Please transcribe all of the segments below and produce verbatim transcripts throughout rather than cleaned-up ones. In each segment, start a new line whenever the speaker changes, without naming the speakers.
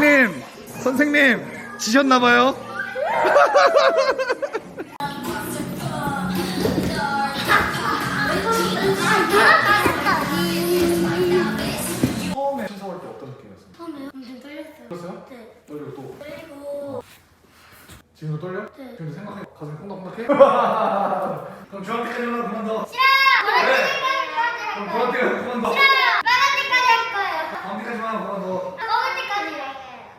선생님, 선생님 지셨나봐요.
처음에 신청할 때 어떤 느낌이었어요?
처음에요? 엄청 떨렸어요.
떨렸어요?
네.
떨리고 또
그리고
지금도 떨려?
네.
지금도 생각해? 가슴이 콩닥콩닥해? 그럼 중학교까지만 그만둬.
싫어요!
그럼 중학교까지 그만둬.
싫어요! 말할 때까지 할 거예요.
방귀까지만 그만둬.
먹을 때까지 할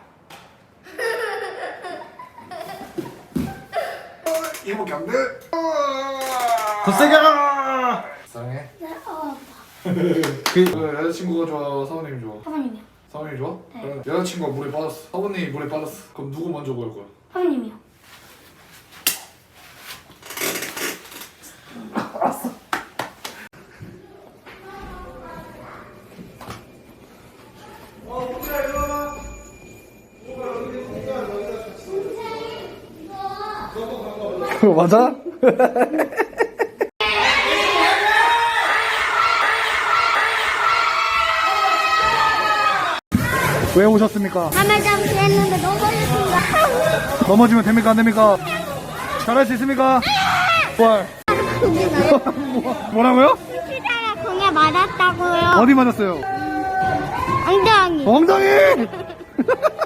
거예요.
이목이 안 돼.
더 세게 하라.
사랑해.
네, 어,
그
그 여자친구가 좋아? 사모님이 좋아?
사모님이요.
사모님이 좋아?
네.
그럼 여자친구가 물에 빠졌어. 사모님이 물에 빠졌어. 그럼 누구 먼저 구할 거야?
사모님이요.
그거 맞아? 왜 오셨습니까?
밤에 잠시 했는데 넘어졌습니다.
넘어지면 됩니까 안 됩니까? 잘할 수 있습니까? 뭘? 뭐, 뭐라고요?
치다가 공에 맞았다고요.
어디 맞았어요?
엉덩이.
엉덩이!